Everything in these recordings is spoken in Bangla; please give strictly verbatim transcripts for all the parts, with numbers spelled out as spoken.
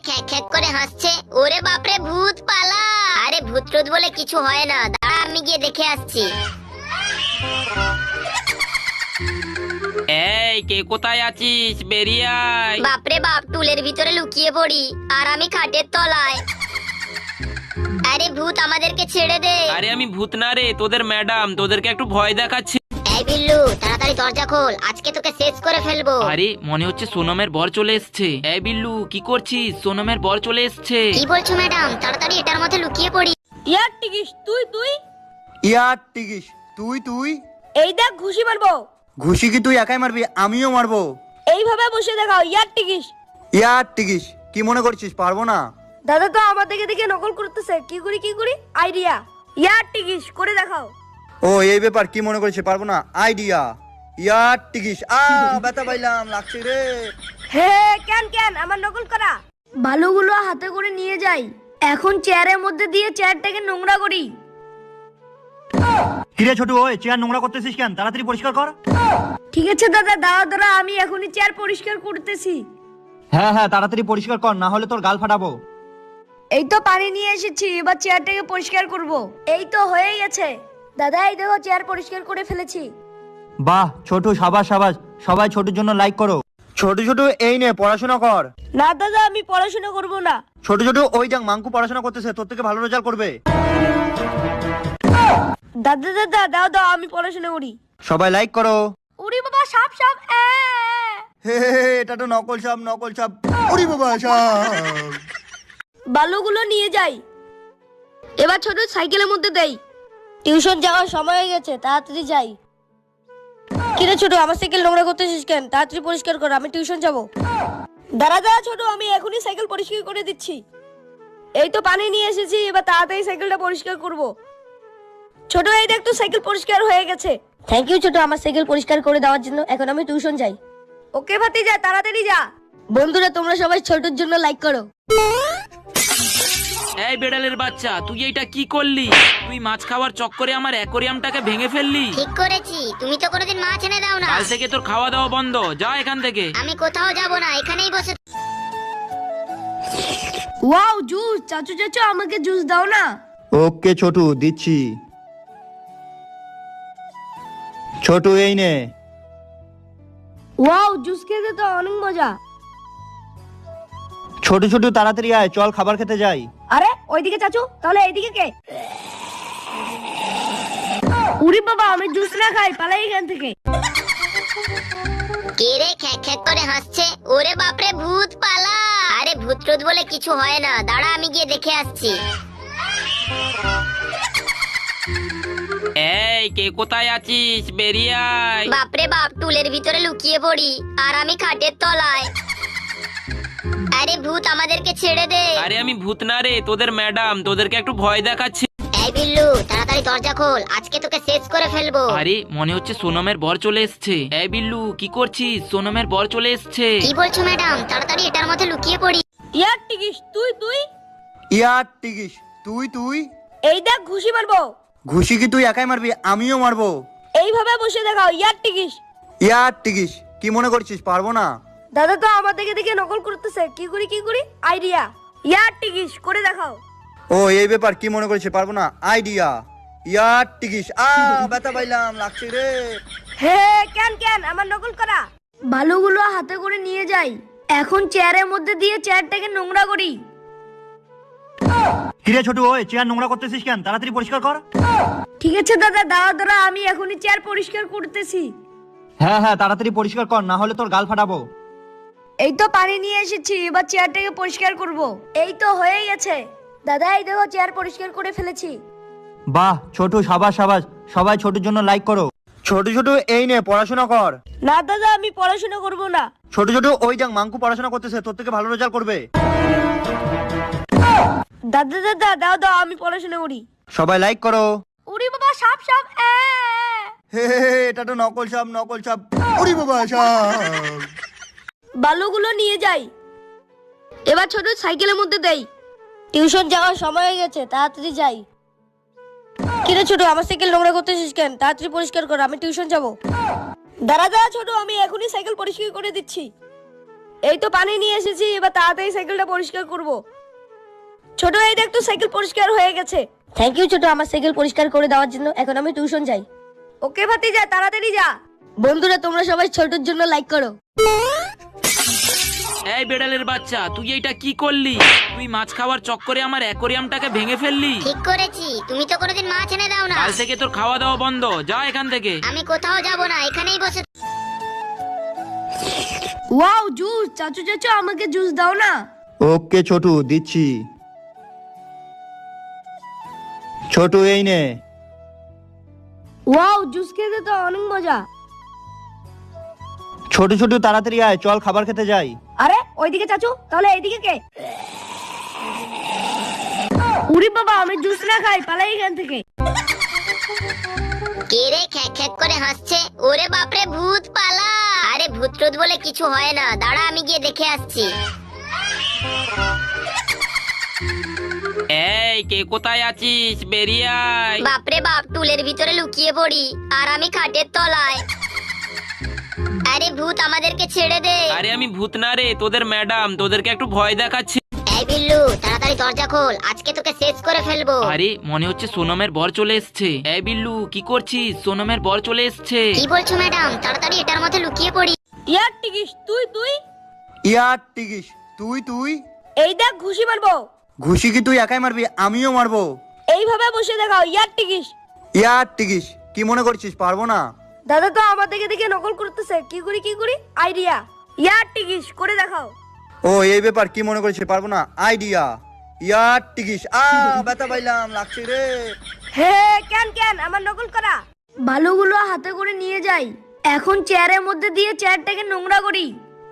খ্যাক খ্যাক করে হাসছে। ওরে বাপরে, ভূত পালা। আরে ভূত টুত বলে কিছু হয় না, দাঁড়া আমি গিয়ে দেখে আসছি। এই কে কোথায় আছিস, বেরিয়ে আয়। বাপরে বাপ, টুলের ভিতরে লুকিয়ে পড়ি আর আমি খাটের তলায়। আরে ভূত, আমাদেরকে ছেড়ে দে। আরে আমি ভূত না রে, তোদের ম্যাডাম, তোদেরকে একটু ভয় দেখাচ্ছি। এই বিল্লু, তাড়াতাড়ি দরজা খোল, আজকে তোকে শেষ করে ফেলবো। আরে মনে হচ্ছে সোনমের বর চলে এসছে। এই বিল্লু, কি করছিস? সোনমের বর চলে এসছে। কি বলছো ম্যাডাম? তাড়াতাড়ি এটার মধ্যে লুকিয়ে পড়ি। ইয়ার টিকিস তুই তুই ইয়ার টিকিস তুই তুই এই দেখ ঘুষি মারবো। ঘুষি কি তুই একাই মারবি? আমিও মারবো। এইভাবে বসে দেখাও ইয়ার টিকিস। ইয়ার টিকিস কি মনে করছিস পারবো না? দাদা তো আমার দিকে দেখে নকল করতেছে। কি করি কি করি আইডিয়া। ইয়ার টিকিস করে দেখাও। ও এই ব্যাপার, কি মনে করছিস পারবো না? আইডিয়া। ইয়ার টিকিস। আ ব্যথা পাইলাম, লাগছে রে। হে কেন কেন আমার নকল করা বালুগুলো হাতে করে নিয়ে যাই। এখন চেয়ারের মধ্যে দিয়ে চেয়ারটাকে নোংরা করি। কিরে ছোটু, ওই চেয়ার নোংরা করতেছিস কেন? তাড়াতাড়ি পরিষ্কার কর। ঠিক আছে দাদা, দাঁড়া দাঁড়া, আমি এখনই চেয়ার পরিষ্কার করতেছি। হ্যাঁ হ্যাঁ, তাড়াতাড়ি পরিষ্কার কর, না হলে তোর গাল ফাটাবো। এই তো পানি নিয়ে এসেছি, এবার চেয়ারটাকে পরিষ্কার করব। এই তো হয়ে গেছে দাদা, এই দেখো চেয়ার পরিষ্কার করে ফেলেছি। বাহ ছোটু, সাবাস সাবাস। সবাই ছোটুর জন্য লাইক করো। ছোট ছোট এই নে পড়াশোনা কর। না দাদা, আমি পড়াশোনা করব না। ছোট ছোট ওই দেখ মাঙ্কু পড়াশোনা করতেছে, তোর থেকে ভালো রেজাল্ট করবে। দাদা দাদা দাও দাও, আমি পড়াশোনা করি। সবাই লাইক করো। উড়ি বাবা, সাপ সাপ। এ হে হে হে, এটা তো নকল সাপ, নকল সাপ। ওরে বাবা, সাপ। বালুগুলো নিয়ে যাই। এবার ছোট সাইকেলের মধ্যে দেই। টিউশন যাওয়ার সময় হয়ে গেছে, তাড়াতাড়ি যাই। কিরে ছোট, আমার সাইকেল নোংরা করতেছিস কেন? তাড়াতাড়ি পরিষ্কার কর, আমি টিউশন যাব। দাঁড়া দাঁড়া ছোট, আমি এখনই সাইকেল পরিষ্কার করে দিচ্ছি। এই তো পানি নিয়ে এসেছি, এবার তাড়াতাড়ি সাইকেলটা পরিষ্কার করব। ছোট এই দেখ তো, সাইকেল পরিষ্কার হয়ে গেছে। থ্যাংক ইউ ছোট, আমার সাইকেল পরিষ্কার করে দেওয়ার জন্য। এখন আমি টিউশন যাই। ওকে ভাতিজা, তাড়াতাড়ি যা। বন্ধুরা, তোমরা সবাই ছোটর জন্য লাইক করো। এই বেড়ালের বাচ্চা, তুই এইটা কি করলি? তুই মাছ খাওয়ার চক্করে আমার অ্যাকোরিয়ামটাকে ভেঙে ফেললি। ঠিক করেছি, তুমি তো কোনোদিন মাছ এনে দাও না। কাল থেকে তোর খাওয়া দাওয়া বন্ধ, যা এখান থেকে। আমি কোথাও যাব না, এখানেই বসে। ওয়াও জুস, চাচু চাচু আমাকে জুস দাও না। ওকে ছোটু, দিচ্ছি। ছোটু এই নে। ওয়াও, জুস খেতে তো অনেক মজা। ছোট ছোট তাড়াতাড়ি আয়, চল খাবার খেতে যাই। আরে ওইদিকে চাচু, তাহলে এইদিকে কে? উরি বাবা, আমি জুস না খাই, পালাই এখান থেকে। কে রে খ্যাক খ্যাক করে হাসছে? ওরে বাপরে, ভূত পালা। আরে ভূত টুত বলে কিছু হয় না, দাঁড়া আমি গিয়ে দেখে আসছি। এই কে কোথায় আছিস, বেরিয়ে আয়। বাপরে বাপ, টুলের ভিতরে লুকিয়ে পড়ি আর আমি খাটের তলায়। আরে ভূত, আমাদেরকে ছেড়ে দে। আরে আমি ভূত না রে, তোদের ম্যাডাম, তোদেরকে একটু ভয় দেখাচ্ছি। এই বিল্লু, তাড়াতাড়ি দরজা খোল, আজকে তোকে শেষ করে ফেলবো। আরে মনে হচ্ছে সোনমের বর চলে এসছে। এই বিল্লু, কি করছিস? সোনমের বর চলে এসছে। কি বলছো ম্যাডাম? তাড়াতাড়ি এটার মধ্যে লুকিয়ে পড়ি। ইয়ার টিকিস তুই তুই ইয়ার টিকিস তুই তুই এই দেখ ঘুষি মারবো। ঘুষি কি তুই একাই মারবি? আমিও মারবো। এইভাবে বসে দেখাও ইয়ার টিকিস। ইয়ার টিকিস কি মনে করছিস পারবো না? দাদা তো আমার দিকে দেখে নকল করতেছে। কি করি কি করি আইডিয়া। ইয়ার টিকিস করে দেখাও। ও এই ব্যাপার, কি মনে করছিস পারবো না? আইডিয়া। ইয়ার টিকিস। আ ব্যথা পাইলাম, লাগছে রে। হে কেন কেন আমার নকল করা বালুগুলো হাতে করে নিয়ে যাই। এখন চেয়ারের মধ্যে দিয়ে চেয়ারটাকে নোংরা করি। কিরে ছোটু, ওই চেয়ার নোংরা করতেছিস কেন? তাড়াতাড়ি পরিষ্কার কর। ঠিক আছে দাদা, দাঁড়া দাঁড়া, আমি এখনই চেয়ার পরিষ্কার করতেছি। হ্যাঁ হ্যাঁ, তাড়াতাড়ি পরিষ্কার কর, না হলে তোর গাল ফাটাবো। এই তো পানি নিয়ে এসেছি, এবার চেয়ারটাকে পরিষ্কার করব। এই তো হয়ে গেছে দাদা, এই দেখো চেয়ার পরিষ্কার করে ফেলেছি। বাহ ছোটু, সাবাস সাবাস। সবাই ছোটুর জন্য লাইক করো। ছোট ছোট এই নে পড়াশোনা কর। না দাদা, আমি পড়াশোনা করব না। ছোট ছোট ওই দেখ মাঙ্কু পড়াশোনা করতেছে, তোর থেকে ভালো রেজাল্ট করবে। দাদা দাদা দাও দাও, আমি পড়াশোনা করি। সবাই লাইক করো। উড়ি বাবা, সাপ সাপ। এ হে হে হে, এটা তো নকল সাপ, নকল সাপ। ওরে বাবা, সাপ। বালুগুলো নিয়ে যাই। এবার ছোট সাইকেলের মধ্যে দেই। টিউশন যাওয়ার সময় হয়ে গেছে, তাড়াতাড়ি যাই। কিরে ছোট, আমার সাইকেল নোংরা করতেছিস কেন? তাড়াতাড়ি পরিষ্কার কর, আমি টিউশন যাব। দাঁড়া দাঁড়া ছোট, আমি এখনই সাইকেল পরিষ্কার করে দিচ্ছি। এই তো পানি নিয়ে এসেছি, এবার তাড়াতাড়ি সাইকেলটা পরিষ্কার করব। ছোট এই দেখ তো সাইকেল পরিষ্কার হয়ে গেছে। থ্যাংক ইউ ছোট আমার সাইকেল পরিষ্কার করে দেওয়ার জন্য। এখন আমি টিউশন যাই। ওকে ভাতিজা, তাড়াতাড়ি যা। বন্ধুরা তোমরা সবাই ছোটর জন্য লাইক করো। এই বেড়ালের বাচ্চা, তুই এইটা কি করলি? তুই মাছ খাওয়ার চক্করে আমার অ্যাকোরিয়ামটাকে ভেঙে ফেললি। ঠিক করেছি, তুমি তো কোনোদিন মাছ এনে দাও না। কাল থেকে তোর খাওয়া দাওয়া বন্ধ, যা এখান থেকে। আমি কোথাও যাব না, এখানেই বসে। ওয়াও জুস, চাচু চাচু আমাকে জুস দাও না। ওকে ছোটু, দিচ্ছি। ছোটু এই নে। ওয়াও জুস খেতে তো অনেক মজা। ছোট ছোট তাড়াতাড়ি আয়, চল খাবার খেতে যাই। আরে ওইদিকে চাচু, তাহলে এইদিকে কে? উরি বাবা, আমি জুস না খাই, পালাই এখান থেকে। কে রে খ্যাক খ্যাক করে হাসছে? ওরে বাপরে, ভূত পালা। আরে ভূত টুত বলে কিছু হয় না, দাঁড়া আমি গিয়ে দেখে আসছি। এই কে কোথায় আছিস? বেরিয়ে আয়। বাপরে বাপ, টুলের ভিতরে লুকিয়ে পড়ি আর আমি খাটের তলায়। আরে ভূত আমাদেরকে ছেড়ে দে। আরে আমি ভূত না রে, তোদের ম্যাডাম, তোদেরকে একটু ভয় দেখাচ্ছি। এই বিল্লু, তাড়াতাড়ি দরজা খোল, আজকে তোকে শেষ করে ফেলবো। আরে মনে হচ্ছে সোনমের বর চলে এসছে। এই বিল্লু, কি করছিস? সোনমের বর চলে এসছে। কি বলছো ম্যাডাম? তাড়াতাড়ি এটার মধ্যে লুকিয়ে পড়ি। ইয়ার টিকিস, তুই তুই ইয়ার টিকিস, তুই তুই এই দেখ ঘুষি মারবো। ঘুষি কি তুই একাই মারবি? আমিও মারবো। এইভাবে বসে দেখাও। ইয়ার টিকিস। ইয়ার টিকিস, কি মনে করছিস পারবো না? দাদা তো আমার দিকে দেখে নকল করতেছে। কি করি কি করি? আইডিয়া। ইয়ার টিকিস করে দেখাও। ও এই ব্যাপার, কি মনে করছিস পারবো না? আইডিয়া। ইয়ার টিকিস। আ ব্যথা পাইলাম, লাগছে রে। হে কেন কেন আমার নকল করা? বালুগুলো হাতে করে নিয়ে যাই। এখন চেয়ারের মধ্যে দিয়ে চেয়ারটাকে নোংরা করি।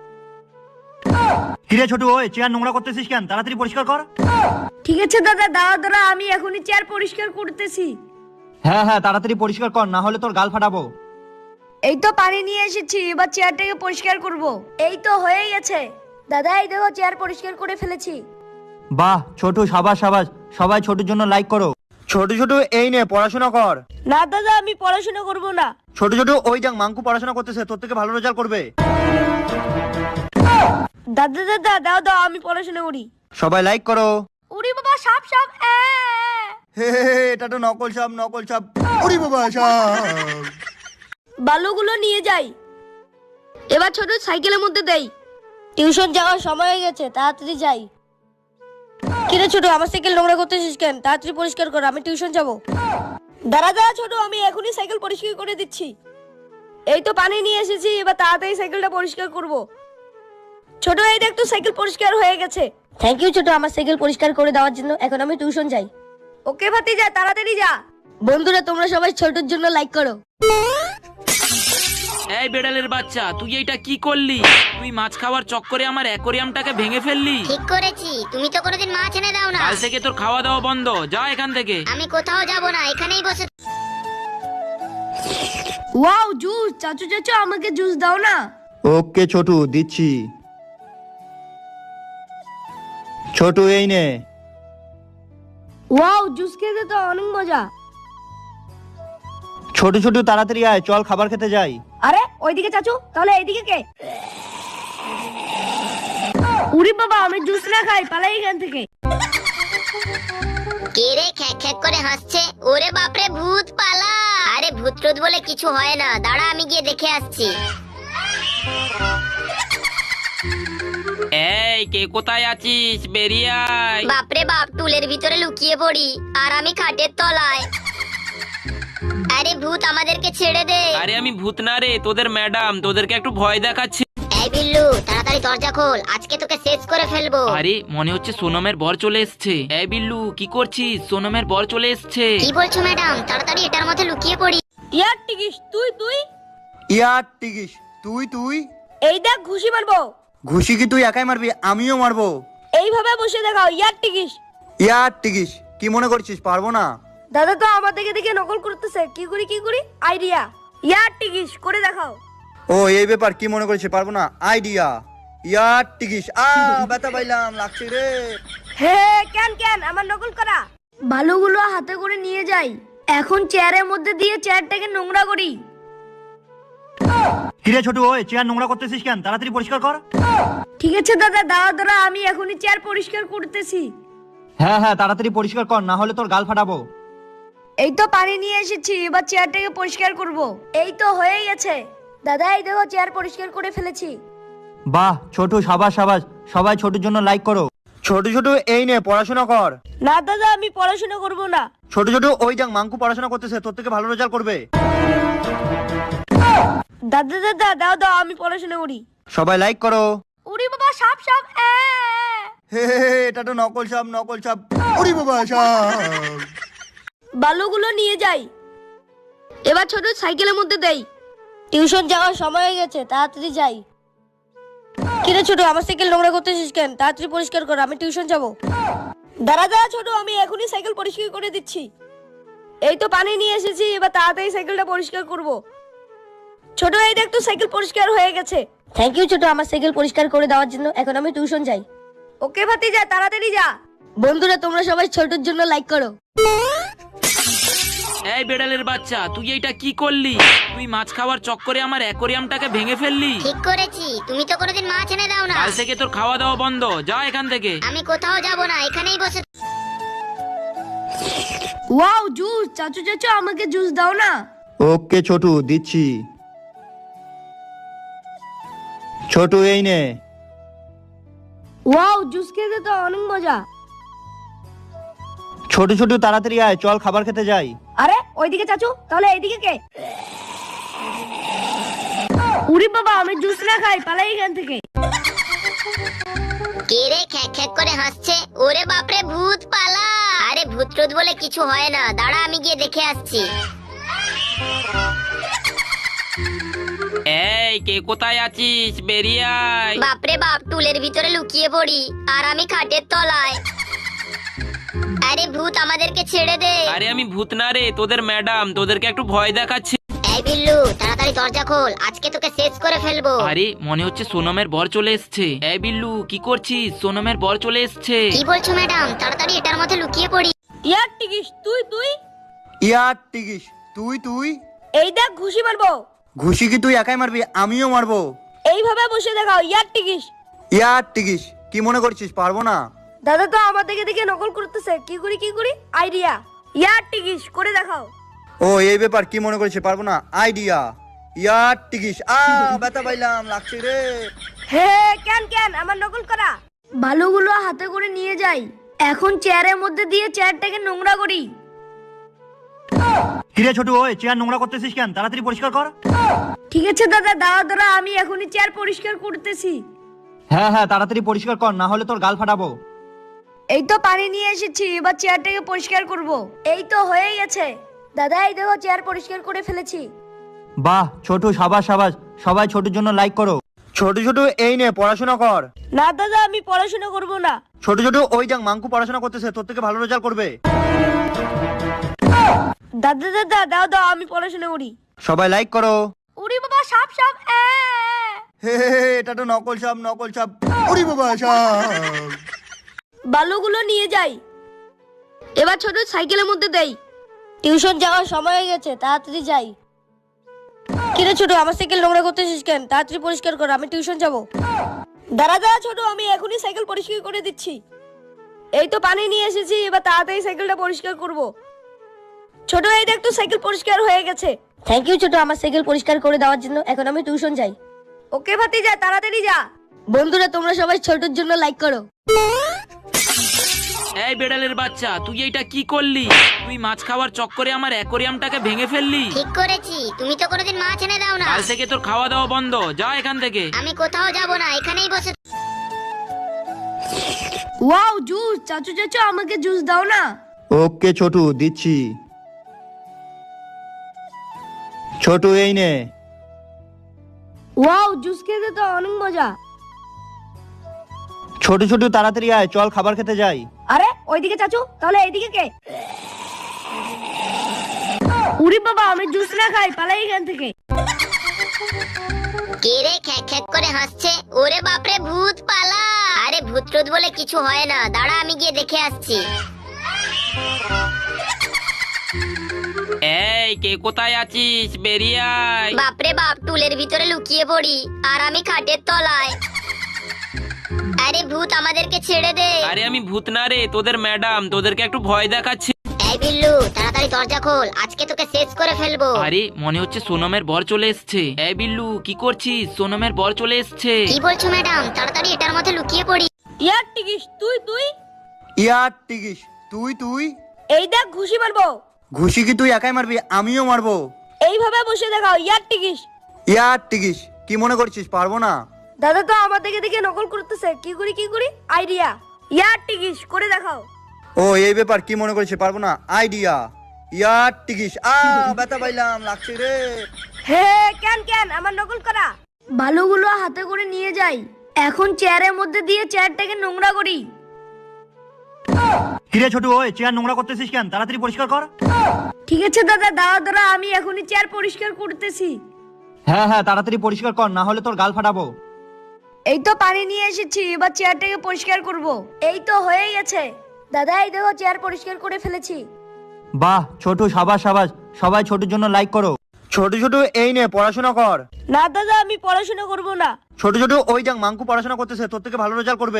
কিরে ছোটু, ওই চেয়ার নোংরা করতেছিস কেন? তাড়াতাড়ি পরিষ্কার কর। ঠিক আছে দাদা, দাঁড়া দাঁড়া, আমি এখনই চেয়ার পরিষ্কার করতেছি। হ্যাঁ হ্যাঁ, তাড়াতাড়ি পরিষ্কার কর, না হলে তোর গাল ফাটাবো। এই তো পানি নিয়ে এসেছি, এবার চেয়ারটাকে পরিষ্কার করব। এই তো হয়ে গেছে। দাদা এই দেখো, চেয়ার পরিষ্কার করে ফেলেছি। বাহ ছোটু, সাবাস সাবাস। সবাই ছোটুর জন্য লাইক করো। ছোট ছোট এই নে, পড়াশোনা কর। না দাদা, আমি পড়াশোনা করব না। ছোট ছোট ওই যাক, মাঙ্কু পড়াশোনা করতেছে, তোর থেকে ভালো রেজাল্ট করবে। দাদা দাদা দাও দাও, আমি পড়াশোনা করি। সবাই লাইক করো। উড়ি বাবা, সাপ সাপ। এ, হে হে হে, এটা তো নকল সাপ, নকল সাপ। উড়ি বাবা, সাপ। বালুগুলো নিয়ে যাই। এবার ছোট সাইকেলের মধ্যে দেই। টিউশন যাওয়ার সময় হয়ে গেছে, তাড়াতাড়ি যাই। কিরে ছোট, আমার সাইকেল নোংরা করতেছিস কেন? তাড়াতাড়ি পরিষ্কার কর, আমি টিউশন যাব। দাঁড়া দাঁড়া ছোট, আমি এখনই সাইকেল পরিষ্কার করে দিচ্ছি। এই তো পানি নিয়ে এসেছি, এবার তাড়াতাড়ি সাইকেলটা পরিষ্কার করব। ছোট এই দেখ তো সাইকেল পরিষ্কার হয়ে গেছে। থ্যাংক ইউ ছোট আমার সাইকেল পরিষ্কার করে দেওয়ার জন্য। এখন আমি টিউশন যাই। ওকে ভাতিজা, তাড়াতাড়ি যা। বন্ধুরা তোমরা সবাই ছোটর জন্য লাইক করো। এই বেড়ালের বাচ্চা, তুই এইটা কি করলি? তুই মাছ খাওয়ার চক্করে আমার অ্যাকোরিয়ামটাকে ভেঙে ফেললি। ঠিক করেছি, তুমি তো কোনোদিন মাছ এনে দাও না। কাল থেকে তোর খাওয়া দাওয়া বন্ধ, যা এখান থেকে। আমি কোথাও যাব না, এখানেই বসে। ওয়াও জুস, চাচু চাচু আমাকে জুস দাও না। ওকে ছোটু, দিচ্ছি। ছোটু এই নে। ওয়াও জুস খেতে তো অনেক মজা। ছোট ছোট তাড়াতাড়ি আয়, চল খাবার খেতে যাই। আরে ওইদিকে চাচু, তাহলে এইদিকে কে? উরি বাবা, আমি জুস না খাই, পালাই এখান থেকে। কে রে খ্যাক খ্যাক করে হাসছে? ওরে বাপরে, ভূত পালা। আরে ভূত টুত বলে কিছু হয় না, দাঁড়া আমি গিয়ে দেখে আসছি। এই কে কোথায় আছিস? বেরিয়ে আয়। বাপরে বাপ, টুলের ভিতরে লুকিয়ে পড়ি আর আমি খাটের তলায়। আরে ভূত আমাদেরকে ছেড়ে দে। আরে আমি ভূত না রে, তোদের ম্যাডাম, তোদেরকে একটু ভয় দেখাচ্ছি। এই বিল্লু, তাড়াতাড়ি দরজা খোল, আজকে তোকে শেষ করে ফেলবো। আরে মনে হচ্ছে সোনমের বর চলে এসছে। এই বিল্লু, কি করছিস? সোনমের বর চলে এসছে। কি বলছো ম্যাডাম? তাড়াতাড়ি এটার মধ্যে লুকিয়ে পড়ি। ইয়ার টিকিস, তুই তুই ইয়ার টিকিস, তুই তুই এই দেখ ঘুষি মারবো। ঘুষি কি তুই একাই মারবি? আমিও মারবো। এইভাবে বসে দেখাও। ইয়ার টিকিস। ইয়ার টিকিস, কি মনে করছিস পারবো না? দাদা তো আমার দিকে দেখে নকল করতেছে। কি করি কি করি? আইডিয়া। ইয়ার টিকিস করে দেখাও। ও এই ব্যাপার, কি মনে করছিস পারবো না? আইডিয়া। ইয়ার টিকিস। আ ব্যথা পাইলাম, লাগছে রে। হে কেন কেন আমার নকল করা? বালুগুলো হাতে করে নিয়ে যাই। এখন চেয়ারের মধ্যে দিয়ে চেয়ারটাকে নোংরা করি। কিরে ছোটু, ওই চেয়ার নোংরা করতেছিস কেন? তাড়াতাড়ি পরিষ্কার কর। ঠিক আছে দাদা, দাঁড়া দাঁড়া, আমি এখনই চেয়ার পরিষ্কার করতেছি। হ্যাঁ হ্যাঁ, তাড়াতাড়ি পরিষ্কার কর, না হলে তোর গাল ফাটাবো। এই তো পানি নিয়ে এসেছি, এবার চেয়ারটাকে পরিষ্কার করব। এই তো হয়েই গেছে দাদা, এই দেখো চেয়ার পরিষ্কার করে ফেলেছি। বাহ ছোটু, সাবাস সাবাস, সবাই ছোটুর জন্য লাইক করো। ছোট ছোট এই নে পড়াশোনা কর। না দাদা, আমি পড়াশোনা করব না। ছোট ছোট ওই দেখ মাঙ্কু পড়াশোনা করতেছে, তোর থেকে ভালো রেজাল্ট করবে। দাদা দাদা দাও দাও, আমি পড়াশোনা করি। সবাই লাইক করো। উড়ি বাবা, সাপ সাপ। এ, হে হে হে, এটা তো নকল সাপ, নকল সাপ। ওরে বাবা, সাপ। বালুগুলো নিয়ে যাই। এবার ছোট সাইকেলের মধ্যে দেই। টিউশন যাওয়ার সময় হয়ে গেছে, তাড়াতাড়ি যাই। কিরে ছোট, আমার সাইকেল নোংরা করতেছিস কেন? তাড়াতাড়ি পরিষ্কার কর, আমি টিউশন যাব। দাঁড়া দাঁড়া ছোট, আমি এখনই সাইকেল পরিষ্কার করে দিচ্ছি। এই তো পানি নিয়ে এসেছি, এবার তাড়াতাড়ি সাইকেলটা পরিষ্কার করব। ছোট এই দেখ তো, সাইকেল পরিষ্কার হয়ে গেছে। থ্যাংক ইউ ছোট, আমার সাইকেল পরিষ্কার করে দেওয়ার জন্য। এখন আমি টিউশন যাই। ওকে ভাতি, যা তাড়াতাড়ি যা। বন্ধুরা, তোমরা সবাই ছোটর জন্য লাইক করো। এই বেড়ালের বাচ্চা, তুই এইটা কি করলি? তুই মাছ খাওয়ার চক্করে আমার অ্যাকোরিয়ামটাকে ভেঙে ফেললি। ঠিক করেছি, তুমি তো কোনোদিন মাছ এনে দাও না। কাল থেকে তোর খাওয়া দাওয়া বন্ধ, যা এখান থেকে। আমি কোথাও যাব না, এখানেই বসে। Wow, juice. চাচু চাচু, আমাকে জুস দাও না। ওকে ছোটু, দিচ্ছি। ছোটু এই নে। ওয়াও, জুস খেতে তো অনেক মজা। ছোট ছোট তাড়াতাড়ি আয়, চল খাবার খেতে যাই। আরে ওইদিকে চাচু, তাহলে এইদিকে কে? উরি বাবা, আমি জুস না খাই, পালাই এখান থেকে। কে রে খ্যাক খ্যাক করে হাসছে? ওরে বাপরে, ভূত পালা। আরে ভূত টুত বলে কিছু হয় না, দাঁড়া আমি গিয়ে দেখে আসছি। এই কে কোথায় আছিস? বেরিয়ে আয়। বাপরে বাপ, টুলের ভিতরে লুকিয়ে পড়ি, আর আমি খাটের তলায়। আরে ভূত, আমাদেরকে ছেড়ে দে। আরে আমি ভূত না রে, তোদের ম্যাডাম, তোদেরকে একটু ভয় দেখাচ্ছি। এই বিল্লু, তাড়াতাড়ি দরজা খোল, আজকে তোকে শেষ করে ফেলবো। আরে মনে হচ্ছে সোনমের বর চলে এসছে। এই বিল্লু, কি করছিস? সোনমের বর চলে এসছে। কি বলছো ম্যাডাম? তাড়াতাড়ি এটার মধ্যে লুকিয়ে পড়ি। ইয়ার টিকিস, তুই তুই ইয়ার টিকিস, তুই তুই এই দেখ, ঘুষি মারবো। ঘুষি কি তুই একাই মারবি? আমিও মারবো। এইভাবে বসে দেখাও, ইয়ার টিকিস। ইয়ার টিকিস, কি মনে করছিস পারবো না? দাদা তো আমার দিকে দেখে নকল করতেছে। কি করি কি করি? আইডিয়া। ইয়ার টিকিস করে দেখাও। ও এই ব্যাপার, কি মনে করছিস পারবো না? আইডিয়া। ইয়ার টিকিস। আ ব্যথা পাইলাম, লাগছে রে। হে কেন কেন আমার নকল করা? বালুগুলো হাতে করে নিয়ে যাই। এখন চেয়ারের মধ্যে দিয়ে চেয়ারটাকে নোংরা করি। কিরে ছোটু, ওই চেয়ার নোংরা করতেছিস কেন? তাড়াতাড়ি পরিষ্কার কর। ঠিক আছে দাদা, দাঁড়া দাঁড়া, আমি এখনই চেয়ার পরিষ্কার করতেছি। হ্যাঁ হ্যাঁ, তাড়াতাড়ি পরিষ্কার কর, না হলে তোর গাল ফাটাবো। এই তো পানি নিয়ে এসেছি, এবার চেয়ারটাকে পরিষ্কার করব। এই তো হয়েই গেছে দাদা, এই দেখো চেয়ার পরিষ্কার করে ফেলেছি। বাহ ছোটু, সাবাস সাবাস, সবাই ছোটুর জন্য লাইক করো। ছোট ছোট এই নে পড়াশোনা কর। না দাদা, আমি পড়াশোনা করব না। ছোট ছোট ওই দেখ মাঙ্কু পড়াশোনা করতেছে, তোর থেকে ভালো রেজাল্ট করবে। দাদা দাদা দাও দাও, আমি পড়াশোনা করি। সবাই লাইক করো। উড়ি বাবা, সাপ সাপ। এ, হে হে হে, এটা তো নকল সাপ, নকল সাপ। ওরে বাবা, সাপ। বালুগুলো নিয়ে যাই। এবার ছোট সাইকেলের মধ্যে দেই। টিউশন যাওয়ার সময় হয়ে গেছে, তাড়াতাড়ি যাই। কিরে ছোট, আমার সাইকেল নোংরা করতেছিস কেন? তাড়াতাড়ি পরিষ্কার কর, আমি টিউশন যাব। দাঁড়া দাঁড়া ছোট, আমি এখনই সাইকেল পরিষ্কার করে দিচ্ছি। এই তো পানি নিয়ে এসেছি, এবার তাড়াতাড়ি সাইকেলটা পরিষ্কার করব। ছোট এই দেখ তো, সাইকেল পরিষ্কার হয়ে গেছে। থ্যাংক ইউ ছোট, আমার সাইকেল পরিষ্কার করে দেওয়ার জন্য। এখন আমি টিউশন যাই। ওকে ভাতি, যা তাড়াতাড়ি যা। বন্ধুরা, তোমরা সবাই ছোটর জন্য লাইক করো। এই বেড়ালের বাচ্চা, তুই এইটা কি করলি? তুই মাছ খাওয়ার চক্করে আমার অ্যাকোরিয়ামটাকে ভেঙে ফেললি। ঠিক করেছি, তুমি তো কোনোদিন মাছ এনে দাও না। কাল থেকে তোর খাওয়া দাওয়া বন্ধ, যা এখান থেকে। আমি কোথাও যাব না, এখানেই বসে। Wow, juice. চাচু চাচু, আমাকে জুস দাও না। ওকে ছোটু, দিচ্ছি। ছোটু এই নে। ওয়াও, জুস খেতে তো অনেক মজা। ছোট ছোট তাড়াতাড়ি আয়, চল খাবার খেতে যাই। আরে ওইদিকে চাচু, তাহলে এইদিকে কে? উরি বাবা, আমি জুস না খাই, পালাই এখান থেকে। কে রে খ্যাক খ্যাক করে হাসছে? ওরে বাপরে, ভূত পালা। আরে ভূত টুত বলে কিছু হয় না, দাঁড়া আমি গিয়ে দেখে আসছি। এই কে কোথায় আছিস, বেরিয়ে আয়। বাপরে বাপ, টুলের ভিতরে লুকিয়ে পড়ি আর আমি খাটের তলায়। আরে ভূত, আমাদেরকে ছেড়ে দে। আরে আমি ভূত না রে, তোদের ম্যাডাম, তোদেরকে একটু ভয় দেখাচ্ছি। এই বিল্লু, তাড়াতাড়ি দরজা খোল, আজকে তোকে শেষ করে ফেলবো। আরে মনে হচ্ছে সোনমের বর চলে এসছে। এই বিল্লু, কি করছিস? সোনমের বর চলে এসছে। কি বলছো ম্যাডাম? তাড়াতাড়ি এটার মধ্যে লুকিয়ে পড়ি। ইয়ার টিকিস তুই তুই ইয়ার টিকিস তুই তুই এই দেখ ঘুষি মারবো। ঘুষি কি তুই একাই মারবি? আমিও মারবো। এইভাবে বসে দেখাও। ইয়ার টিকিস। ইয়ার টিকিস কি মনে করছিস পারবো না? দাদা তো আমার দিকে দিকে নকল করতেছে। কি করি কি করি আইডিয়া। ইয়ার টিকিস করে দেখাও। ও এই ব্যাপার, কি মনে করছিস পারবো না? আইডিয়া। ইয়ার টিকিস। আ ব্যথা পাইলাম, লাগছে রে। হে কেন কেন আমার নকল করা বালুগুলো হাতে করে নিয়ে যাই। এখন চেয়ারের মধ্যে দিয়ে চেয়ারটাকে নোংরা করি। কিরে ছোটু, ওই চেয়ার নোংরা করতেছিস কেন? তাড়াতাড়ি পরিষ্কার কর। ঠিক আছে দাদা, দাঁড়া দাঁড়া, আমি এখনই চেয়ার পরিষ্কার করতেছি। হ্যাঁ হ্যাঁ, তাড়াতাড়ি পরিষ্কার কর, না হলে তোর গাল ফাটাবো। এই তো পানি নিয়ে এসেছি, এবার চেয়ারটাকে পরিষ্কার করব। এই তো হয়ে গেছে দাদা, এই দেখো চেয়ার পরিষ্কার করে ফেলেছি। বাহ ছোটু, সাবাস সাবাস। সবাই ছোটুর জন্য লাইক করো। ছোট ছোট এই নে পড়াশোনা কর। না দাদা, আমি পড়াশোনা করব না। ছোট ছোট ওই যাক মাঙ্কু পড়াশোনা করতেছে, তোর থেকে ভালো রেজাল্ট করবে।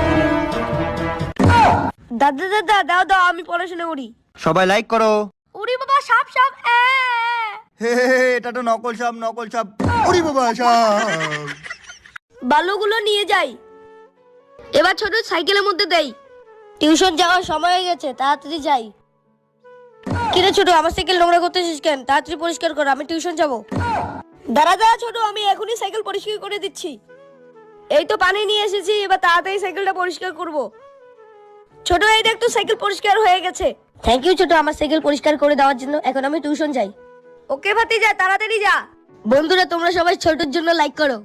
দাদা দাদা দাও দাও, আমি পড়াশোনা করি। সবাই লাইক করো। উড়ি বাবা, সাপ সাপ। এ হে হে হে, এটা তো নকল সাপ, নকল সাপ। ওরে বাবা, সাপ। বালুগুলো নিয়ে যাই। এবার ছোট সাইকেলের মধ্যে দেই। টিউশন যাওয়ার সময় হয়ে গেছে, তাড়াতাড়ি যাই। কিরে ছোট, আমার সাইকেল নোংরা করতেছিস কেন? তাড়াতাড়ি পরিষ্কার কর, আমি টিউশন যাব। দাঁড়া দাঁড়া ছোট, আমি এখনই সাইকেল পরিষ্কার করে দিচ্ছি। এই তো পানি নিয়ে এসেছি, এবার তাড়াতাড়ি সাইকেলটা পরিষ্কার করব। ছোট এই দেখ, তো সাইকেল পরিষ্কার হয়ে গেছে। থ্যাংক ইউ ছোট, আমার সাইকেল পরিষ্কার করে দেওয়ার জন্য। এখন আমি টিউশন যাই। ওকে ভাতি, যা তাড়াতাড়ি যা। বন্ধুরা, তোমরা সবাই ছোটর জন্য লাইক করো।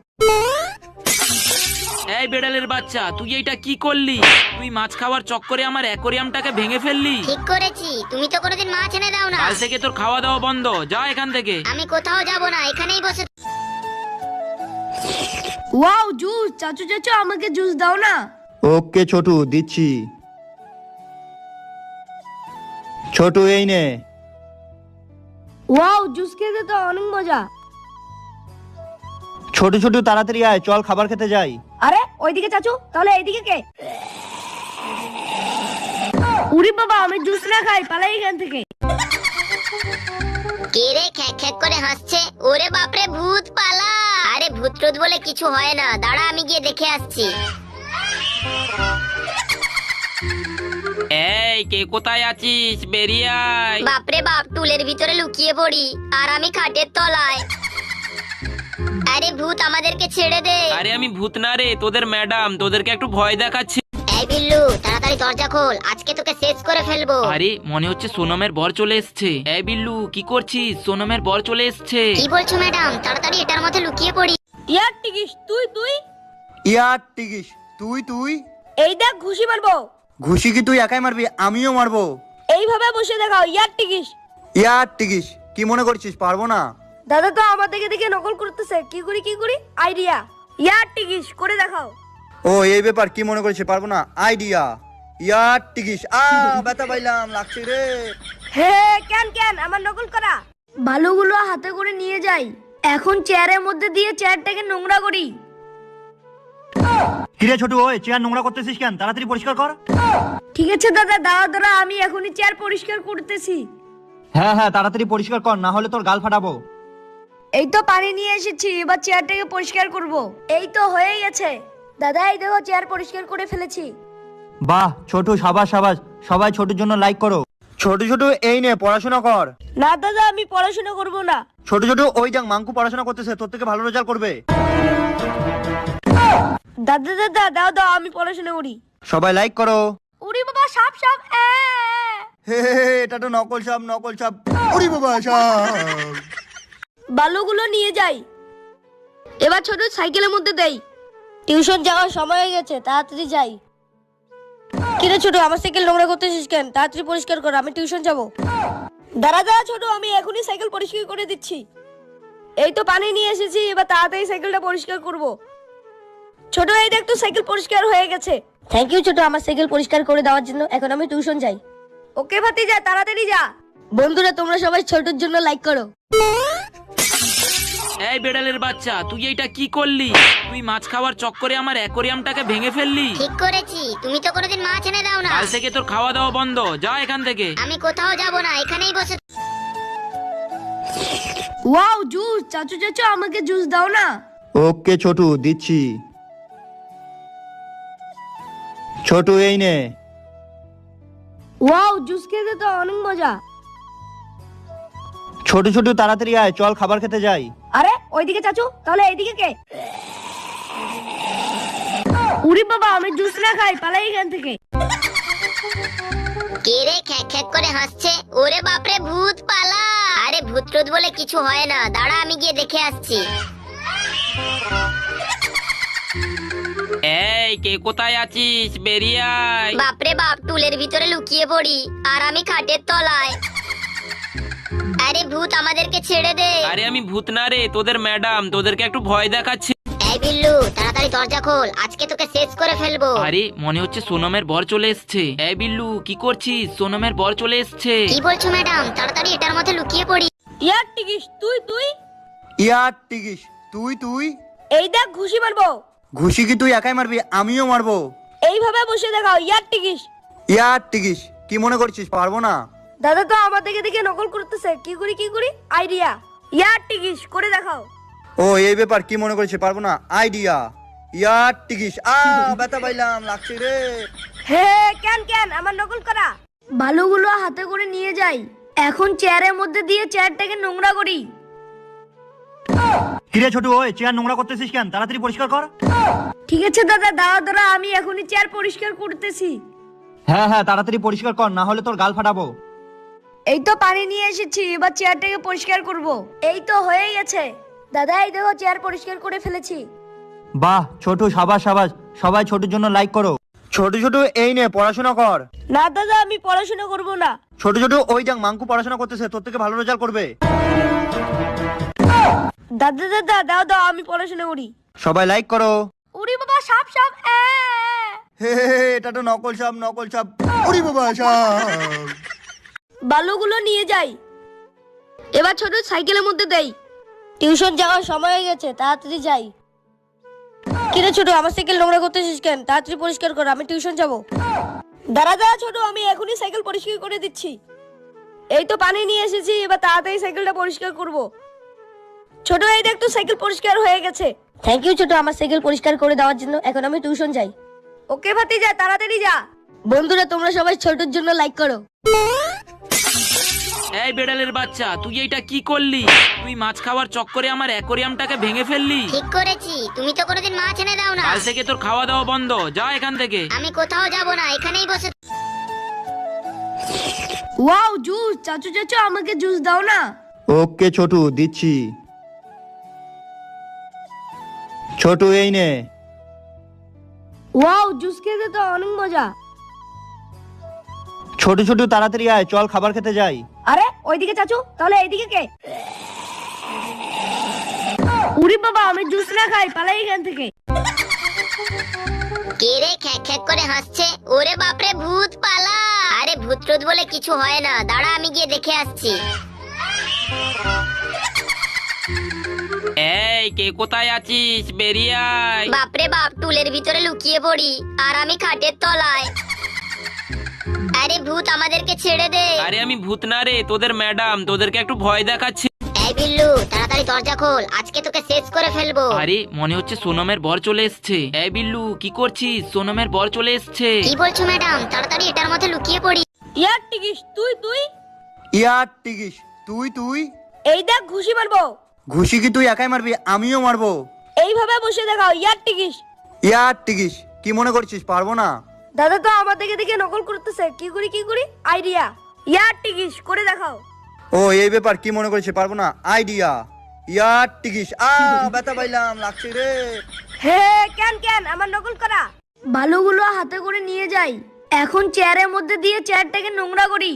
এই বেড়ালের বাচ্চা, তুই এইটা কি করলি? তুই মাছ খাওয়ার চক্করে আমার অ্যাকোরিয়ামটাকে ভেঙে ফেললি। ঠিক করেছি, তুমি তো কোনোদিন মাছ এনে দাও না। কাল থেকে তোর খাওয়া দাওয়া বন্ধ, যা এখান থেকে। আমি কোথাও যাব না, এখানেই বসে। ওয়াও জুস, চাচু চাচু আমাকে জুস দাও না। ওকে ছোটু, দিচ্ছি। ছোটু এই নে। ওয়াও জুস খেতে তো অনেক মজা। ছোট ছোট তাড়াতাড়ি আয়, চল খাবার খেতে যাই। আরে ওইদিকে চাচু, তাহলে এইদিকে কে? উরি বাবা, আমি জুস না খাই, পালাই এখান থেকে। কে রে খ্যাক খ্যাক করে হাসছে? ওরে বাপরে, ভূত পালা। আরে ভূত টুত বলে কিছু হয় না, দাঁড়া আমি গিয়ে দেখে আসছি। এই কে কোথায় আছিস, বেরিয়ে আয়। বাপরে বাপ, টুলের ভিতরে লুকিয়ে পড়ি আর আমি খাটের তলায়। আরে ভূত, আমাদেরকে ছেড়ে দে। আরে আমি ভূত না রে, তোদের ম্যাডাম, তোদেরকে একটু ভয় দেখাচ্ছি। এই বিল্লু, তাড়াতাড়ি দরজা খোল, আজকে তোকে শেষ করে ফেলবো। আরে মনে হচ্ছে সোনমের বর চলে এসছে। এই বিল্লু, কি করছিস? সোনমের বর চলে এসছে। কি বলছো ম্যাডাম? তাড়াতাড়ি এটার মধ্যে লুকিয়ে পড়ি। ইয়ার টিকিস তুই তুই ইয়ার টিকিস তুই তুই এই দেখ ঘুষি মারবো। ঘুষি কি তুই একাই মারবি? আমিও মারবো। এইভাবে বসে দেখাও। ইয়ার টিকিস। ইয়ার টিকিস কি মনে করছিস পারবো না? দাদা তো আমার দিকে দিকে নকল করতেছে। কি করি কি করি আইডিয়া। ইয়ার টিকিস করে দেখাও। ও এই ব্যাপার, কি মনে করছিস পারবো না? আইডিয়া। ইয়ার টিকিস। আ ব্যথা পাইলাম, লাগছে রে। হে কেন কেন আমার নকল করা বালুগুলো হাতে করে নিয়ে যাই। এখন চেয়ারের মধ্যে দিয়ে চেয়ারটাকে নোংরা করি। কিরে ছোটু, ওই চেয়ার নোংরা করতেছিস কেন? তাড়াতাড়ি পরিষ্কার কর। ঠিক আছে দাদা, দাঁড়া দাঁড়া, আমি এখনই চেয়ার পরিষ্কার করতেছি। হ্যাঁ হ্যাঁ, তাড়াতাড়ি পরিষ্কার কর, না হলে তোর গাল ফাটাবো। এই তো পানি নিয়ে এসেছি, এবার চেয়ারটাকে পরিষ্কার করব। এই তো হয়ে গেছে দাদা, এই দেখো চেয়ার পরিষ্কার করে ফেলেছি। বাহ ছোটু, সাবাস সাবাস। সবাই ছোটুর জন্য লাইক করো। ছোট ছোট এই নে পড়াশোনা কর। না দাদা, আমি পড়াশোনা করব না। ছোট ছোট ওই যাক মাঙ্কু পড়াশোনা করতেছে, তোর থেকে ভালো রেজাল্ট করবে। দাদা দাদা দাও দাও, আমি পড়াশোনা করি। সবাই লাইক করো। উড়ি বাবা, সাপ সাপ। এ হে হে হে, এটা তো নকল সাপ, নকল সাপ। ওরে বাবা, সাপ। বালুগুলো নিয়ে যাই। এবার ছোট সাইকেলের মধ্যে দেই। টিউশন যাওয়ার সময় হয়ে গেছে, তাড়াতাড়ি যাই। কিরে ছোট, আমার সাইকেল নোংরা করতেছিস কেন? তাড়াতাড়ি পরিষ্কার কর, আমি টিউশন যাব। দাঁড়া দাঁড়া ছোট, আমি এখনই সাইকেল পরিষ্কার করে দিচ্ছি। এই তো পানি নিয়ে এসেছি, এবার তাড়াতাড়ি সাইকেলটা পরিষ্কার করব। ছোট এই দেখ, তো সাইকেল পরিষ্কার হয়ে গেছে। থ্যাংক ইউ ছোট, আমার সাইকেল পরিষ্কার করে দেওয়ার জন্য। এখন আমি টিউশন যাই। ওকে ভাতি, যা তাড়াতাড়ি যা। বন্ধুরা তোমরা সবাই ছোটুর জন্য লাইক করো। এই বেড়ালের বাচ্চা, তুই এইটা কি করলি? তুই মাছ খাওয়ার চক্করে আমার অ্যাকোরিয়ামটাকে ভেঙে ফেললি। ঠিক করেছি, তুমি তো কোনোদিন মাছ এনে দাও না। কাল থেকে তোর খাওয়া দাওয়া বন্ধ, যা এখান থেকে। আমি কোথাও যাব না, এখানেই বসে। ওয়াও জুস, চাচু চাচু আমাকে জুস দাও না। ওকে ছোটু, দিচ্ছি। ছোটু এই নে। ওয়াও জুস খেতে তো অনেক মজা। ছোট ছোট তাড়াতাড়ি আয়, চল খাবার খেতে যাই। আরে ওইদিকে চাচু, তাহলে এইদিকে কে? উরি বাবা, আমি জুস না খাই, পালাই এখান থেকে। কে রে খ্যাক খ্যাক করে হাসছে? ওরে বাপরে, ভূত পালা। আরে ভূত টুত বলে কিছু হয় না, দাঁড়া আমি গিয়ে দেখে আসছি। এই কে কোথায় আছিস? বেরিয়ে আয়। বাপরে বাপ, টুলের ভিতরে লুকিয়ে পড়ি আর আমি খাটের তলায়। আরে ভূত, আমাদেরকে ছেড়ে দে। আরে আমি ভূত না রে, তোদের ম্যাডাম, তোদেরকে একটু ভয় দেখাচ্ছি। এই বিল্লু, তাড়াতাড়ি দরজা খোল, আজকে তোকে শেষ করে ফেলবো। আরে মনে হচ্ছে সোনমের বর চলে এসছে। এই বিল্লু, কি করছিস? সোনমের বর চলে এসছে। কি বলছো ম্যাডাম? তাড়াতাড়ি এটার মধ্যে লুকিয়ে পড়ি। ইয়ার টিকিস, তুই তুই ইয়ার টিকিস, তুই তুই এই দেখ ঘুষি মারবো। ঘুষি কি তুই একাই মারবি? আমিও মারবো। এইভাবে বসে দেখাও। ইয়ার টিকিস। ইয়ার টিকিস, কি মনে করছিস পারবো না? দাদা তো আমার দিকে দেখে নকল করতেছে। কি করি কি করি? আইডিয়া। ইয়ার টিকিস করে দেখাও। ও এই ব্যাপার, কি মনে করছিস পারবো না? আইডিয়া। ইয়ার টিকিস। আ ব্যথা পাইলাম, লাগছে রে। হে কেন কেন আমার নকল করা? বালুগুলো হাতে করে নিয়ে যাই, এখন চেয়ারের মধ্যে দিয়ে চেয়ারটাকে নোংরা করি। কিরে ছোটু, ওই চেয়ার নোংরা করতেছিস কেন? তাড়াতাড়ি পরিষ্কার কর। ঠিক আছে দাদা, দাঁড়া দাঁড়া, আমি এখনই চেয়ার পরিষ্কার করতেছি। হ্যাঁ হ্যাঁ, তাড়াতাড়ি পরিষ্কার কর, না হলে তোর গাল ফাটাবো। এই তো পানি নিয়ে এসেছি, এবার চেয়ারটাকে পরিষ্কার করব। এই তো হয়ে গেছে দাদা, এই দেখো চেয়ার পরিষ্কার করে ফেলেছি। বাহ ছোটু, সাবাস সাবাস। সবাই ছোটুর জন্য লাইক করো। ছোট ছোট এই নে, পড়াশোনা কর। না দাদা, আমি পড়াশোনা করব না। ছোট ছোট ওই দেখ, মাঙ্কু পড়াশোনা করতেছে, তোর থেকে ভালো রেজাল্ট করবে। দাদা দাদা দাও দাও, আমি পড়াশোনা করি। সবাই লাইক করো। উড়ি বাবা, সাপ সাপ। এ, হে হে হে, এটা তো নকল সাপ, নকল সাপ। উড়ি বাবা, সাপ। বালুগুলো নিয়ে যাই, এবার ছোট সাইকেলের মধ্যে দেই। টিউশন যাওয়ার সময় হয়ে গেছে, তাড়াতাড়ি যাই। কিরে ছোট, আমার সাইকেল নোংরা করতেছিস কেন? তাড়াতাড়ি পরিষ্কার কর, আমি টিউশন যাব। দাঁড়া দাঁড়া ছোট, আমি এখনই সাইকেল পরিষ্কার করে দিচ্ছি। এই তো পানি নিয়ে এসেছি, এবার তাড়াতাড়ি সাইকেলটা পরিষ্কার করব। ছোট এই দেখ তো, সাইকেল পরিষ্কার হয়ে গেছে। থ্যাংক ইউ ছোট, আমার সাইকেল পরিষ্কার করে দেওয়ার জন্য। এখন আমি টিউশন যাই। ওকে ভাতিজা, তাড়াতাড়ি যা। বন্ধুরা তোমরা সবাই ছোটর জন্য লাইক করো। এই বেড়ালের বাচ্চা, তুই এইটা কি করলি? তুই মাছ খাওয়ার চক্করে আমার অ্যাকোরিয়ামটাকে ভেঙে ফেললি। ঠিক করেছি, তুমি তো কোনোদিন মাছ এনে দাও না। কাল থেকে তোর খাওয়া দাওয়া বন্ধ, যা এখান থেকে। আমি কোথাও যাব না, এখানেই বসে। ওয়াও জুস, চাচু চাচু আমাকে জুস দাও না। ওকে ছোটু, দিচ্ছি। ছোটু এই নে। ওয়াও জুস খেতে তো অনেক মজা। ছোট ছোট তাড়াতাড়ি আয়, চল খাবার খেতে যাই। আরে ওইদিকে চাচু, তাহলে এইদিকে কে? উরি বাবা, আমি জুস না খাই, পালাই এখান থেকে। কে রে খ্যাক খ্যাক করে হাসছে? ওরে বাপরে, ভূত পালা। আরে ভূত টুত বলে কিছু হয় না, দাঁড়া আমি গিয়ে দেখে আসছি। এই কে কোথায় আছিস? বেরিয়ে আয়। বাপরে বাপ, টুলের ভিতরে লুকিয়ে পড়ি আর আমি খাটের তলায়। আরে ভূত, আমাদেরকে ছেড়ে দে। আরে আমি ভূত না রে, তোদের ম্যাডাম, তোদেরকে একটু ভয় দেখাচ্ছি। এই বিল্লু, তাড়াতাড়ি দরজা খোল, আজকে তোকে শেষ করে ফেলবো। আরে মনে হচ্ছে সোনমের বর চলে এসছে। এই বিল্লু, কি করছিস? সোনমের বর চলে এসছে। কি বলছো ম্যাডাম? তাড়াতাড়ি এটার মধ্যে লুকিয়ে পড়ি। ইয়ার টিকিস, তুই তুই ইয়ার টিকিস, তুই তুই এই দেখ ঘুষি মারবো। ঘুষি কি তুই একাই মারবি? আমিও মারবো। এইভাবে বসে দেখাও। ইয়ার টিকিস। ইয়ার টিকিস, কি মনে করছিস পারবো না? দাদা তো আমার দিকে দেখে নকল করতেছে। কি করি কি করি? আইডিয়া। ইয়ার টিকিস করে দেখাও। ও এই ব্যাপার, কি মনে করছিস পারবো না? আইডিয়া। ইয়ার টিকিস। আ ব্যথা পাইলাম, লাগছে রে। হে কেন কেন আমার নকল করা? বালুগুলো হাতে করে নিয়ে যাই, এখন চেয়ারের মধ্যে দিয়ে চেয়ারটাকে নোংরা করি।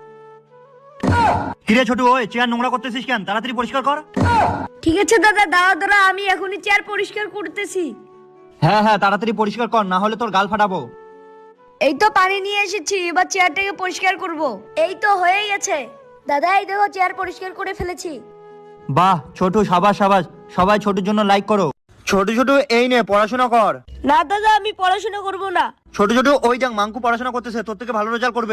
কিরে ছোটু, ওই চেয়ার নোংরা করতেছিস কেন? তাড়াতাড়ি পরিষ্কার কর। ঠিক আছে দাদা, দাঁড়া দাঁড়া, আমি এখনই চেয়ার পরিষ্কার করতেছি। হ্যাঁ হ্যাঁ, তাড়াতাড়ি পরিষ্কার কর, না হলে তোর গাল ফাটাবো। এই তো পানি নিয়ে এসেছি, এবার চেয়ারটাকে পরিষ্কার করব। এই তো হয়ে গেছে দাদা এই দেখো চেয়ার পরিষ্কার করে ফেলেছি। বাহ ছোটু, সাবাস সাবাস, সবাই ছোটুর জন্য লাইক করো। ছোট ছোট এই নে পড়াশোনা কর। না দাদা আমি পড়াশোনা করব না। ছোট ছোট ওই দেখ মাঙ্কু পড়াশোনা করতেছে, তোর থেকে ভালো রেজাল্ট করবে।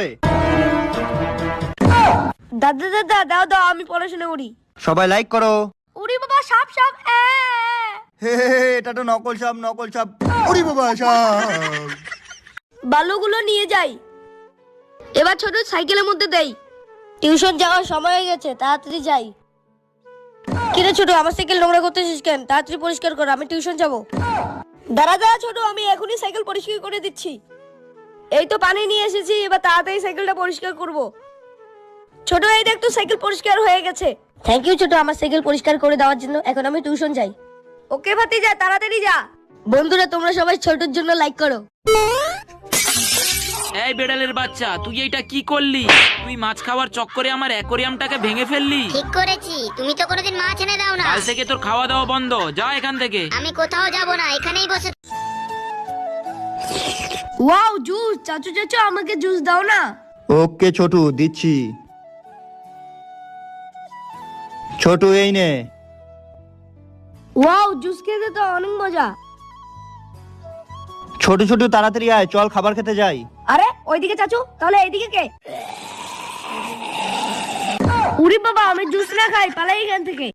দাদা দাদা দাও দাও আমি পড়াশোনা করি। সবাই লাইক করো। উড়ি বাবা সাপ সাপ এ। হে হে হে, এটা তো নকল সাপ, নকল সাপ। ওরে বাবা সাপ। বালুগুলো নিয়ে যাই। এবার ছোট সাইকেলের মধ্যে দেই। টিউশন যাওয়ার সময় হয়ে গেছে, তাড়াতাড়ি যাই। কিরে ছোট আমার সাইকেল নোংরা করতেছিস কেন? তাড়াতাড়ি পরিষ্কার কর, আমি টিউশন যাব। দাঁড়া দাঁড়া ছোট, আমি এখনই সাইকেল পরিষ্কার করে দিচ্ছি। এই তো পানি নিয়ে এসেছি, এবার তাড়াতাড়ি সাইকেলটা পরিষ্কার করব। ছোট এই দেখ তো সাইকেল পরিষ্কার হয়ে গেছে। থ্যাংক ইউ ছোট আমার সাইকেল পরিষ্কার করে দেওয়ার জন্য। এখন আমি টিউশন যাই। ওকে ভাতি যা, তাড়াতাড়ি যা। বন্ধুরা তোমরা সবাই ছোটর জন্য লাইক করো। এই বেড়ালের বাচ্চা, তুই এইটা কি করলি? তুই মাছ খাওয়ার চক্করে আমার অ্যাকোরিয়ামটাকে ভেঙে ফেললি। ঠিক করেছি, তুমি তো কোনোদিন মাছ এনে দাও না। কাল থেকে তোর খাওয়া দাওয়া বন্ধ, যা এখান থেকে। আমি কোথাও যাব না, এখানেই বসে। ওয়াও জুস, চাচু চাচু আমাকে জুস দাও না। ওকে ছোটু দিচ্ছি। ছোটু এই নে। ওয়াও জুস খেতে তো অনেক মজা। ছোট ছোট তাড়াতাড়ি আয়, চল খাবার খেতে যাই। আরে ওইদিকে চাচু, তাহলে এইদিকে কে? উরি বাবা আমি জুস না খাই, পালাই এখান থেকে।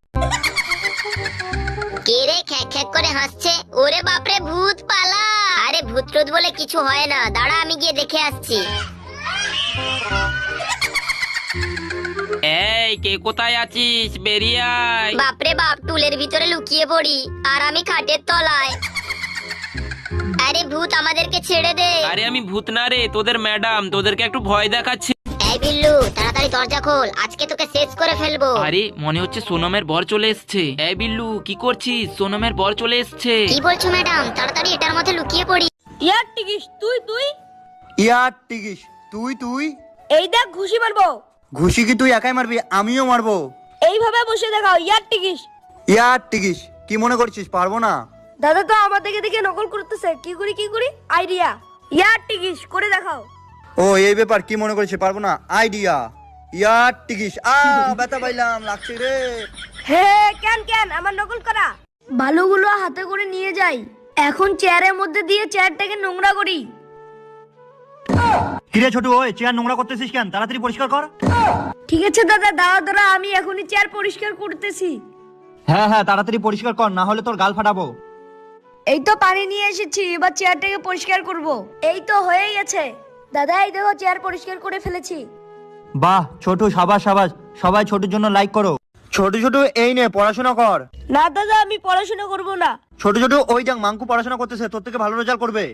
কে রে খ্যাক খ্যাক করে হাসছে? ওরে বাপরে ভূত, পালা। আরে ভূত টুত বলে কিছু হয় না, দাঁড়া আমি গিয়ে দেখে আসছি। এই কে কোথায় আছিস? বেরিয়ে আয়। বাপরে বাপ, টুলের ভিতরে লুকিয়ে পড়ি আর আমি খাটের তলায়। আরে ভূত আমাদেরকে ছেড়ে দে। আরে আমি ভূত না রে, তোদের ম্যাডাম, তোদেরকে একটু ভয় দেখাচ্ছি। এই বিল্লু তাড়াতাড়ি দরজা খোল, আজকে তোকে শেষ করে ফেলবো। আরে মনে হচ্ছে সোনমের বর চলে এসছে। এই বিল্লু কি করছিস? সোনমের বর চলে এসছে। কি বলছো ম্যাডাম? তাড়াতাড়ি এটার মধ্যে লুকিয়ে পড়ি। ইয়ার টিকিস তুই তুই ইয়ার টিকিস তুই তুই। এই দেখ ঘুষি মারবো। ঘুষি কি তুই একাই মারবি? আমিও মারবো। এইভাবে বসে দেখাও ইয়ার টিকিস। ইয়ার টিকিস কি মনে করছিস পারবো না? দাদা তো আমার দিকে দিকে নকল করতেছে, কি করি কি করি আইডিয়া। ইয়ার টিকিস করে দেখাও। ও এই ব্যাপার, কি মনে করছিস পারবো না? আইডিয়া। ইয়ার টিকিস। আ ব্যথা পাইলাম, লাগছে রে। হে কেন কেন আমার নকল করা। বালুগুলো হাতে করে নিয়ে যাই। এখন চেয়ারের মধ্যে দিয়ে চেয়ারটাকে নোংরা করি। কিরে ছোটু, ওই চেয়ার নোংরা করতেছিস কেন? তাড়াতাড়ি পরিষ্কার কর। ঠিক আছে দাদা, দাঁড়া দাঁড়া আমি এখনই চেয়ার পরিষ্কার করতেছি। হ্যাঁ হ্যাঁ তাড়াতাড়ি পরিষ্কার কর, না হলে তোর গাল ফাটাবো। এই তো পানি নিয়ে এসেছি, এবার চেয়ারটাকে পরিষ্কার করব। এই তো হয়ে গেছে। দাদা এই দেখো চেয়ার পরিষ্কার করে ফেলেছি। বাহ ছোটু, সাবাস সাবাস, সবাই ছোটুর জন্য লাইক করো। ছোট ছোট এই নে পড়াশোনা কর। না দাদা আমি পড়াশোনা করব না। ছোট ছোট ওই দেখ মাঙ্কু পড়াশোনা করতেছে, তোর থেকে ভালো রেজাল্ট করবে।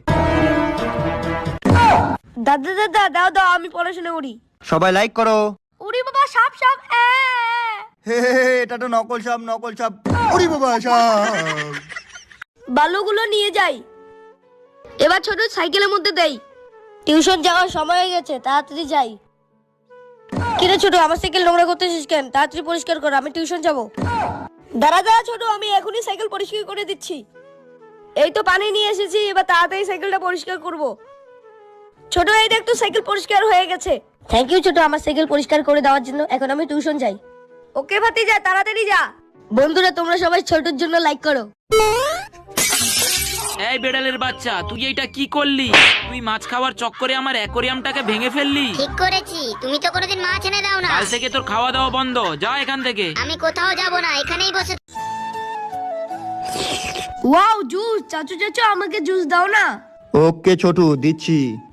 দাদা দাদা দাও দাও আমি পড়াশোনা করি। সবাই লাইক করো। উড়ি বাবা সাপ সাপ এ। হে হে হে, এটা তো নকল সাপ, নকল সাপ। ওরে বাবা সাপ। বালুগুলো নিয়ে যাই। এবার ছোট সাইকেলের মধ্যে দেই। টিউশন যাওয়ার সময় হয়ে গেছে, তাড়াতাড়ি যাই। কিরে ছোট আমার সাইকেল নোংরা করতেছিস কেন? তাড়াতাড়ি পরিষ্কার কর, আমি টিউশন যাব। দাঁড়া দাঁড়া ছোট, আমি এখনই সাইকেল পরিষ্কার করে দিচ্ছি। এই তো পানি নিয়ে এসেছি, এবার তাড়াতাড়ি সাইকেলটা পরিষ্কার করব। ছোট এই দেখ তো সাইকেল পরিষ্কার হয়ে গেছে। থ্যাংক ইউ ছোট আমার সাইকেল পরিষ্কার করে দেওয়ার জন্য। এখন আমি টিউশন যাই। ওকে ভাতি যা, তাড়াতাড়ি যা। বন্ধুরা তোমরা সবাই ছোটর জন্য লাইক করো। এই বেড়ালের বাচ্চা, তুই এইটা কি করলি? তুই মাছ খাওয়ার চক্করে আমার অ্যাকোরিয়ামটাকে ভেঙে ফেললি। ঠিক করেছি, তুমি তো কোনোদিন মাছ এনে দাও না। কাল থেকে তোর খাওয়া দাওয়া বন্ধ, যা এখান থেকে। আমি কোথাও যাব না, এখানেই বসে। ওয়াও জুস, চাচু চাচু আমাকে জুস দাও না। ওকে ছোটু দিচ্ছি।